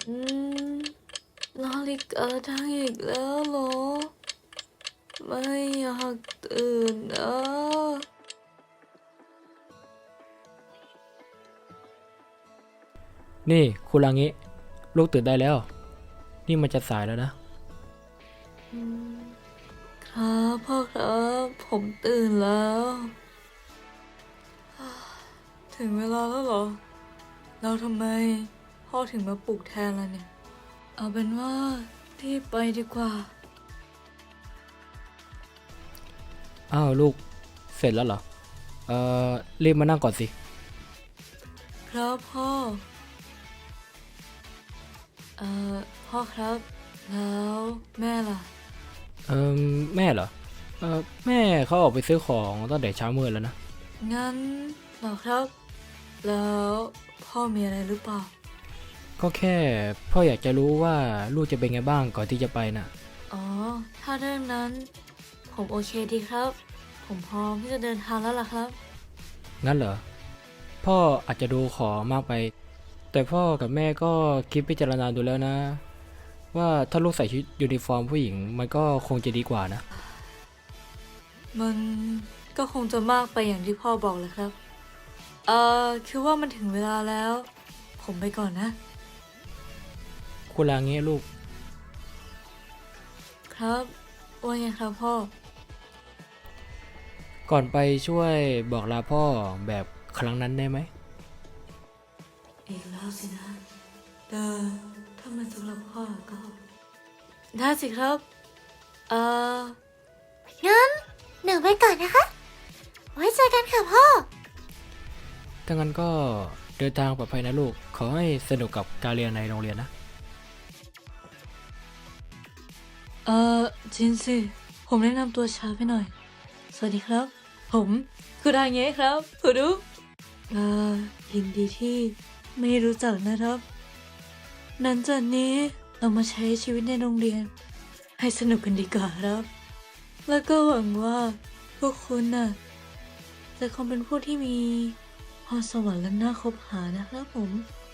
อืมนาฬิกาดังอีกแล้วเหรอไม่อยากตื่นนะนี่คุณรางิลูกตื่นได้แล้วนี่มันจะสายแล้วนะอืมครับพ่อครับผมตื่นแล้วถึงเวลาแล้วเหรอแล้วทำไมพ่อถึงมาปลุกแทนล่ะเนี่ยเอาเป็นว่ารีบไปดีกว่าอ้าวลูกเสร็จแล้วเหรอเอ่อรีบมานั่งก่อนสิครับพ่อเอ่อพ่อครับแล้วแม่ล่ะเอ่อแม่เหรอแม่เขาออกไปซื้อของตั้งแต่เช้ามืดแล้วนะงั้นเหรอครับแล้วพ่อมีอะไรหรือเปล่าก็แค่พ่ออยากจะรู้ว่าลูกจะเป็นไงบ้างก่อนที่จะไปน่ะอ๋อถ้าเรื่องนั้นผมโอเคดีครับผมพร้อมที่จะเดินทางแล้วล่ะครับงั้นเหรอพ่ออาจจะดูขอมากไปแต่พ่อกับแม่ก็คิดพิจารณาดูแล้วนะว่าถ้าลูกใส่ชุดยูนิฟอร์มผู้หญิงมันก็คงจะดีกว่านะมันก็คงจะมากไปอย่างที่พ่อบอกเลยครับคือว่ามันถึงเวลาแล้ว ผมไปก่อนนะคุณลางี้ลูกครับว่าไงครับพ่อก่อนไปช่วยบอกลาพ่อแบบครั้งนั้นได้ไหมอีกแล้วสินะแต่ถ้ามันสำหรับพ่อก็ได้สิครับเอ่องั้นหนูไปก่อนนะคะ ไว้เจอกันค่ะพ่อถ้างั้นก็เดินทางปลอดภัยนะลูก ขอให้สนุกกับการเรียนในโรงเรียนนะจินสิผมแนะนำตัวช้าไปหน่อย สวัสดีครับ ผมคือดาเงะครับคุณดูยินดีที่ไม่รู้จักนะครับหลังจากนี้เรามาใช้ชีวิตในโรงเรียน ให้สนุกกันดีกว่าครับ แล้วก็หวังว่าพวกคุณน่ะจะคงเป็นผู้ที่มีพรสวรรค์และน่าคบหานะครับผม